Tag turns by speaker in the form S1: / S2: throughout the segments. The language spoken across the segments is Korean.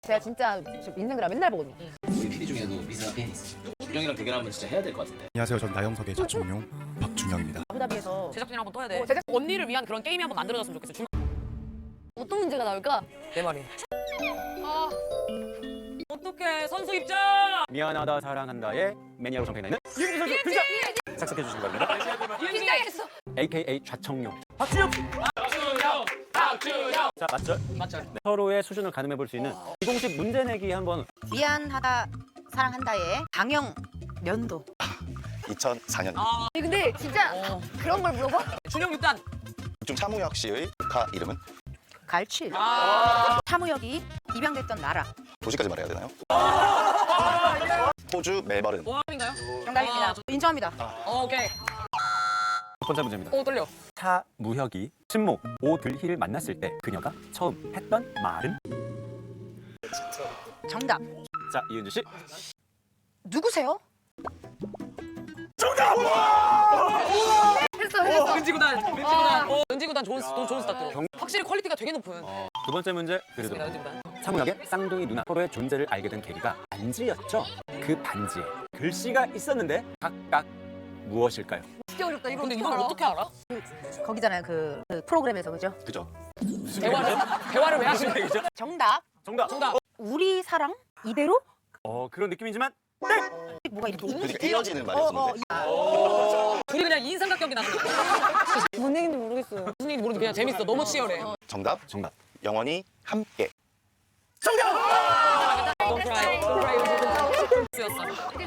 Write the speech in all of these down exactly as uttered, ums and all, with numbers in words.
S1: 제가 진짜 인생 드라 맨날 보거든요.
S2: 우리 피디 중에도 미스가 팬이 있어. 준영이랑 대결하면 진짜 해야 될 것 같은데.
S3: 안녕하세요. 전 나영석의 자충용 박준영입니다.
S1: 아부다비에서
S4: 제작진 한번 떠야 돼.
S1: 어, 제작-
S4: 언니를 위한 그런 게임이 한번 만들어졌으면 좋겠어. 줄...
S1: 어떤 문제가 나올까?
S4: 내 말이. 아. 어떡해 선수 입장.
S5: 미안하다 사랑한다의 매니아로 정평이 있는 이은지 선수 등장! 착석해 주신 겁니다.
S1: 긴장했어.
S5: 에이케이에이 좌청룡
S2: 박준영, 박준영.
S5: 자 맞죠?
S4: 맞죠.
S5: 네. 서로의 수준을 가늠해 볼 수 있는 비공식 문제 내기 한번.
S6: 미안하다 사랑한다의 방영 연도
S7: 이천사 년
S4: 아
S1: 근데 진짜
S4: 어.
S1: 그런 걸 물어봐?
S4: 준영 육 단.
S7: 중 차무혁 씨의 조카 이름은
S6: 갈칠
S4: 아
S6: 차무혁이 입양됐던 나라
S7: 도시까지 말해야 되나요? 호주 멜버른.
S4: 모함인가요?
S6: 정답입니다.
S4: 아, 저-
S6: 인정합니다.
S4: 어, 오케이.
S5: 첫 번째 문제입니다.
S4: 오 떨려.
S5: 차무혁이 친모 오들희를 만났을 때 그녀가 처음 했던 말은?
S6: 정답.
S5: 자 이은지 씨.
S6: 누구세요?
S1: 했어 했어.
S4: 은지구단. 은지구단. 어, 은지구단 좋은 스- 좋은 스타트.
S5: 경-
S4: 확실히 퀄리티가 되게 높은.
S5: 두 번째 문제
S4: 좋습니다,
S5: 드리도록.
S4: 은지구단.
S5: 차무혁의 쌍둥이 누나 서로의 존재를 알게 된 계기가 반지였죠. 그 반지에 글씨가 있었는데 각각 무엇일까요?
S1: 진짜 어렵다. 이거
S4: 근데
S1: 어떻게
S4: 이걸
S1: 알아?
S4: 어떻게 알아?
S6: 거기잖아요. 그, 그 프로그램에서 그죠?
S7: 그죠?
S4: 대화를 대화를 왜 하시는
S5: 무슨 얘기죠?
S6: 정답.
S5: 정답.
S4: 정답.
S6: 우리 사랑 이대로?
S5: 어 그런 느낌이지만
S6: 뭐가 이렇게
S7: 그러니까 이어지는
S6: 어, 어,
S7: 말이었는데.
S4: 둘이 그냥 인상각격이 나는 거야.
S1: 뭔 얘기인지 모르겠어요.
S4: 무슨 얘기인지 모르는데 그냥 재밌어. 너무 치열해.
S7: 정답.
S5: 정답.
S7: 영원히 함께.
S4: Don't cry. Don't cry. 은지구단. 쓰였어.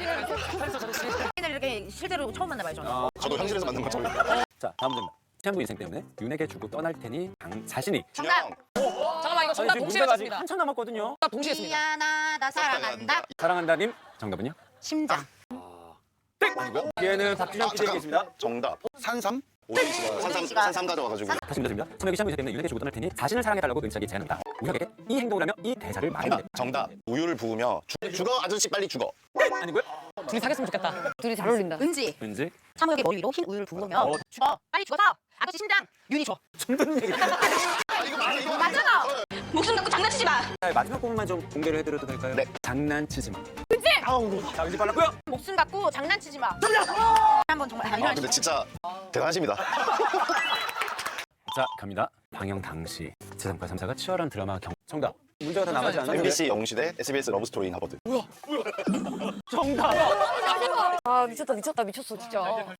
S6: 이렇게 실제로 처음 만나봐요 저는.
S7: 저도 현실에서 만난 것처럼.
S5: 자 다음 문제입니다. 친구 인생 때문에 윤에게 주고 떠날 테니 당 자신이.
S7: 준영.
S4: 잠깐만 이거 정답
S5: 지금
S4: 동시에
S5: 문제가 아직
S4: 맞습니다.
S5: 한참 남았거든요.
S4: 정답 동시에 했습니다.
S6: 미안하다 사랑한다
S5: 사랑한다님 정답은요?
S6: 심장.
S7: 아니고요?
S5: 얘는 박준영
S7: 아,
S5: 피디에게
S7: 잠깐.
S5: 있습니다.
S7: 정답. 산삼. 오대희 씨가 산삼
S6: 씨가.
S7: 산삼 가져와가지고.
S5: 다시 문제드립니다. 친구에게 친구 인생 때문에 윤에게 주고 떠날 테니 자신을 사랑해달라고 은지에게 제안합니다. 우혁에게 이 행동을 하며 이 대사를 말해야
S7: 정답.
S5: 됩니다.
S7: 정답. 우유를 부으며 죽- 죽어 아저씨 빨리 죽어.
S5: 아니고요?
S4: 둘이 사귀었으면 좋겠다.
S1: 둘이 잘 어울린다.
S6: 은지.
S5: 은지
S6: 차무혁의 머리 위로 흰 우유를 부으며
S5: 어.
S6: 죽어 빨리 죽어서 아저씨 심장 윤이 줘.
S5: 좀 듣는 얘기.
S7: 아 이거 맞아 이거 맞아.
S6: 맞잖아. 목숨 갖고 장난치지 마.
S5: 자, 마지막 부분만 좀 공개를 해드려도 될까요?
S7: 네.
S5: 장난치지 마.
S7: 아우.
S5: 자 은지 빨랐고요.
S6: 목숨 갖고 장난치지 마. 한번 정말
S7: 아 근데 진짜 대단하십니다.
S5: 자 갑니다. 방영 당시 제삼과 삼사가 치열한 드라마 경. 정답. 문제가 다 나가지 않았는데.
S7: 엠비씨 영웅시대 에스비에스 러브스토리인 하버드.
S5: 정답.
S1: 아 미쳤다 미쳤다 미쳤어 진짜.